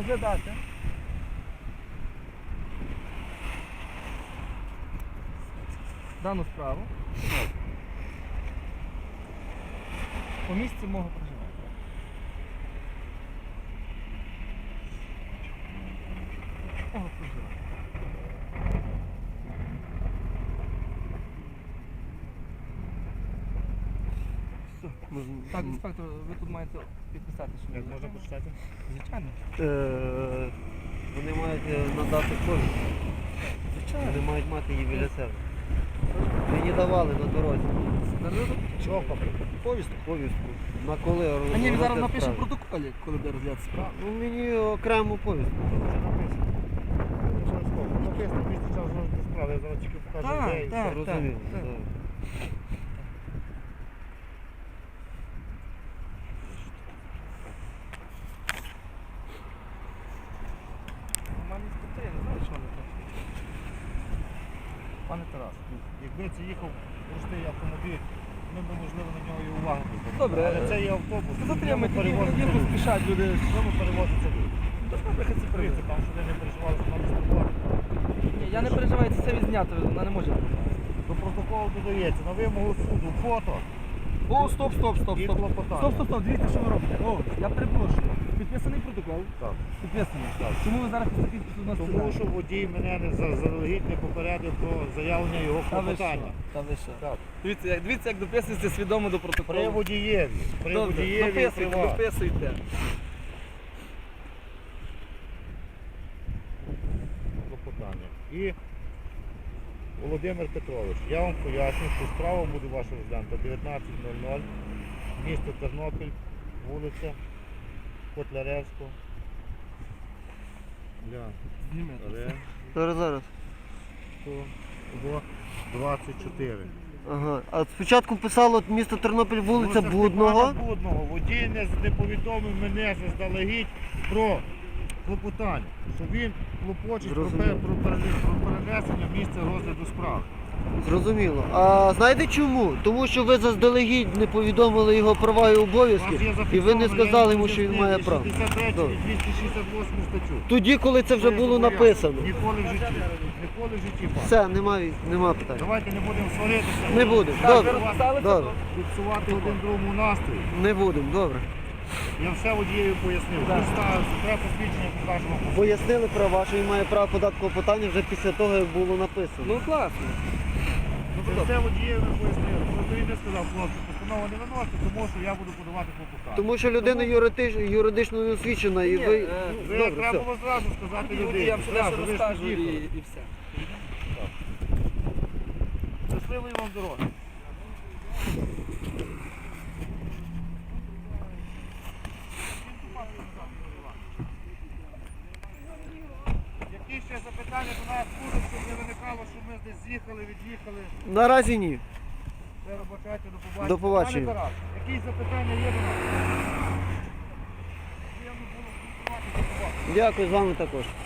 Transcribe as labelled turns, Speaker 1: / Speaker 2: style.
Speaker 1: розглядати дану справу по місці мого проживання. Мого проживання. Так, інспектор, ви тут маєте підписати, що
Speaker 2: Як можна почитати?
Speaker 1: Звичайно.
Speaker 3: Вони мають надати повістку.
Speaker 1: Звичайно.
Speaker 3: Вони мають мати її біля себе. Ви її давали на дорозі.
Speaker 2: Чого?
Speaker 3: Повістку? Повістку. На коли
Speaker 1: А ні, він
Speaker 3: розгляд
Speaker 1: зараз напише в
Speaker 3: справи?
Speaker 1: протоколі, коли буде розгляд справи.
Speaker 3: Ну мені окрему повістку.
Speaker 2: Вже написано. Обов'язково. Написано, місце час розгляду справи. Я зараз тільки покажу
Speaker 1: Так,
Speaker 2: ідею.
Speaker 1: так.
Speaker 3: Розумію.
Speaker 1: так.
Speaker 3: так.
Speaker 1: Нормальні інспектори, я не знаю, що вони так. Пане Тарас.
Speaker 2: Якби це їхав простий автомобіль, ми б, можливо, на нього і уваги не звернули.
Speaker 1: Добре,
Speaker 2: Але це є автобус.
Speaker 1: Затримайте,
Speaker 2: в ньому
Speaker 1: їх
Speaker 2: перевозиться люди.
Speaker 1: поспішать люди.
Speaker 2: В ньому перевозиться люди.
Speaker 1: Добре, хай це
Speaker 2: Дивіться,
Speaker 1: перевірить.
Speaker 2: там, що ви не переживали, що нам спілкувати.
Speaker 1: Ні, я не переживаю, це відзнято, вона не може.
Speaker 2: До протоколу додається на вимогу суду фото
Speaker 1: О, стоп, стоп, стоп,
Speaker 2: і
Speaker 1: стоп.
Speaker 2: клопотання.
Speaker 1: Стоп, стоп, стоп, дивіться, що ви робите. О, я перепрошую. Підписаний протокол?
Speaker 2: Так.
Speaker 1: Підписаний.
Speaker 2: Так.
Speaker 1: Чому ви зараз такий тут нас
Speaker 2: Тому що водій мене не заздалегідь не попередив про заявлення його
Speaker 1: Та ви що?
Speaker 2: клопотання.
Speaker 1: Та ви що?
Speaker 2: Так.
Speaker 1: Дивіться, як дописується свідомо до протоколу.
Speaker 2: При водієві. При
Speaker 1: Добре,
Speaker 2: водієві і
Speaker 1: дописуйте,
Speaker 2: при вас.
Speaker 1: дописуйте.
Speaker 2: Клопотання. І Володимир Петрович, я вам поясню, що справа буде ваша розглянута 19:00, місто Тернопіль, вулиця Котляревського.
Speaker 1: Знімете.
Speaker 3: Зараз.
Speaker 2: 24.
Speaker 3: Ага. А спочатку писало місто Тернопіль, вулиця Блудного.
Speaker 2: Блудного. Водій не повідомив мене заздалегідь про клопотання, що він клопочить про
Speaker 3: Зрозуміло.
Speaker 2: перенесення місця розгляду справи.
Speaker 3: Зрозуміло. А знаєте чому? Тому що ви заздалегідь не повідомили його права і
Speaker 2: У вас
Speaker 3: обов'язки,
Speaker 2: є
Speaker 3: і ви не
Speaker 2: зафіксовано,
Speaker 3: сказали
Speaker 2: я
Speaker 3: йому, що він має право.
Speaker 2: 63
Speaker 3: Добре.
Speaker 2: і 268 статтю.
Speaker 3: Тоді, коли це вже
Speaker 2: Ви
Speaker 3: було
Speaker 2: зобов'язані.
Speaker 3: написано.
Speaker 2: Ніколи в житті. Ніколи в житті. пане.
Speaker 3: Все, нема питань.
Speaker 2: Давайте не будемо сваритися.
Speaker 3: Не будемо.
Speaker 1: Так, ви
Speaker 3: Добре.
Speaker 1: розписали це?
Speaker 3: Добре.
Speaker 2: Фіксувати один другому настрій.
Speaker 3: Не будемо, добре.
Speaker 2: Я все водієві пояснив.
Speaker 1: Так.
Speaker 2: Представився, треба посвідчення, покажемо.
Speaker 3: Пояснили права, що він має право подати клопотання вже після того, як було написано.
Speaker 1: Ну класно.
Speaker 2: Я все водієві пояснив. Просто він не сказав, хлопці, постанова не виносить, тому що я буду подавати клопотання.
Speaker 3: Тому що людина юридично не освічена і
Speaker 1: Ні,
Speaker 3: ви...
Speaker 2: Ви
Speaker 3: Добре,
Speaker 2: треба
Speaker 3: все.
Speaker 2: було зразу сказати людині.
Speaker 1: Я все
Speaker 2: Зразу, ви ж
Speaker 1: розкажу
Speaker 2: під'їхали.
Speaker 1: і все.
Speaker 2: Щасливої вам дороги. Які ще запитання до нас будуть, щоб не виникало, що ми десь з'їхали, від'їхали.
Speaker 3: Наразі ні.
Speaker 2: Все, робочайте, до побачення.
Speaker 3: До побачення.
Speaker 2: Пане Тарас, які запитання є до нас? Приємно було спілкуватися з вами.
Speaker 3: Дякую, з вами також.